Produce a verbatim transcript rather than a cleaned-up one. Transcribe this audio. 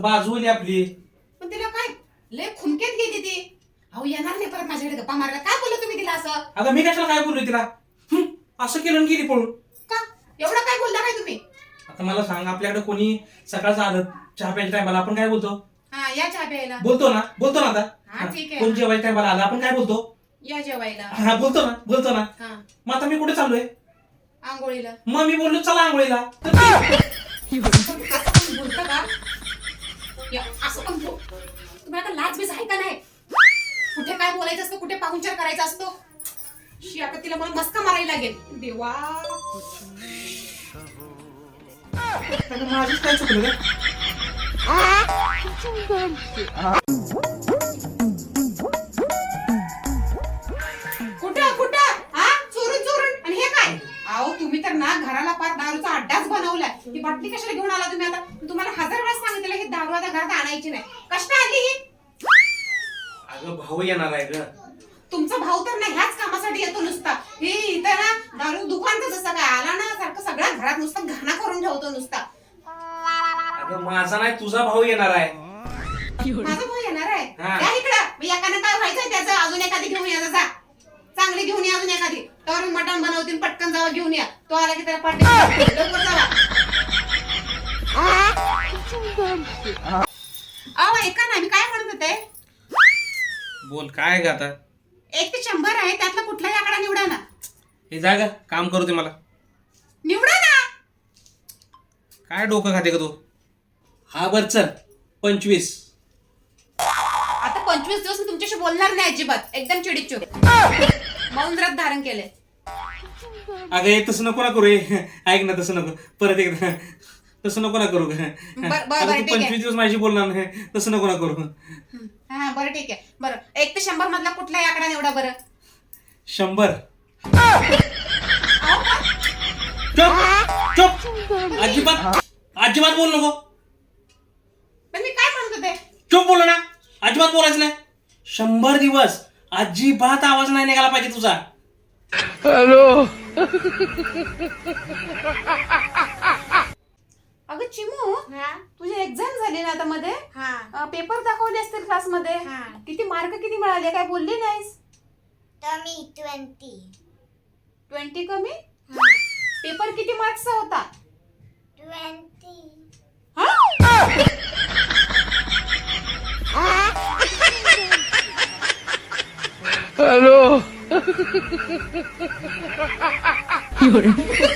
बाजू होईल आपली. पण तिला काय लय खुमकेत गेली ती. अहो येणार नाही परत माझ्याकडे गप्पा मारायला. काय बोललो तुम्ही तिला असं? अगं मी कशाला काय बोललोय तिला? हं, असं केलं आणि गेली पळून. का एवढं काय बोलला काय तुम्ही? आता मला सांग, आपल्याकडे कोणी सकाळचं आलं चहा प्यायच्या टायमाला आपण काय बोलतो? हा या चहा प्यायला. बोलतो ना बोलतो ना आता. हा ठीक आहे. कोण जेवायच्या टायमाला आलं आपण काय बोलतो? या जेवायला. हा बोलतो ना बोलतो ना. हा मग आता मी कुठे चाललोय? आंघोळीला. मग मी बोललो चला आंघोळीला. बोलता का? या, असं पण बोल. तुम्ही आता लाज बीज आहे का नाही? कुठे काय बोलायचं असतं, कुठे पाहुणचार करायचा असतो. शी आता तिला मला मस्का मारायला लागेल. देवा माझीच काय चुकलं का? कुठं कुठं हा चोरून चोरून. आणि हे काय? अहो तुम्ही तर ना घराला पार दारूचा अड्डाच बनवलाय. ही बाटली कशाला घेऊन आला तुम्ही? आता तुम्हाला हजार वेळा सांगितलं ही दारू आता घरात आणायची नाही. कष्ट आली ही. अगं भाऊ येणार आहे ग. तुमचा भाऊ तर ना ह्याच कामासाठी येतो नुसता. हे इथं ना दारू दुकानचं जसं काय आला ना सारखं सगळ्या घरात नुसतं घाणा करून ठेवतो नुसता. अगं माझा नाही तुझा भाऊ येणार आहे. माझा भाऊ येणार आहे. हा. या इकडं. मग एकानं काय व्हायचंय त्याचं? अजून एखादी घेऊन या जा. चांगली घेऊन या अजून एखादी. तर मटण बनवतील पटकन जावा घेऊन या. तो आला की त्याला पाठी लवकर जावा. अहो ऐका ना मी काय म्हणत होते. बोल काय ग आता? एक ते शंभर आहे त्यातला कुठलाही आकडा निवडा ना. हे जा ग काम करू दे मला. निवडा ना. काय डोकं खाते का तू? हा बर चल पंचवीस. आता पंचवीस दिवस मी तुमच्याशी बोलणार नाही अजिबात. एकदम चिडीचूर मौन व्रत धारण केले. अगं हे तसं नको ना करू. हे ऐक ना तसं नको परत एकदा. तसं नको ना करू. बर- बर- अगं, बरं, तू ठीक आहे. पंचवीस दिवस माझी बोलणार नाही तसं नको ना करू. हा बरं ठीक आहे. बरं एक ते शंभर मधला कुठलाही आकडा निवडा बरं. शंभर. अहो, चुप चुप अजिबात अजिबात बोल नको. पण मी काय म्हणत होते. चुप बोल ना. अजिबात बोलायचं नाही. शंभर दिवस अजिबात आवाज नाही निघाला पाहिजे तुझा. हॅलो. अगं चिमू तुझी एक्झाम झाली ना आता मध्ये. पेपर दाखवले असतील क्लासमध्ये. किती मार्क किती मिळाले काय बोलली नाहीस? कमी ट्वेंटी. ट्वेंटी कमी. पेपर किती मार्क्सचा होता? ट्वेंटी. हॅलो.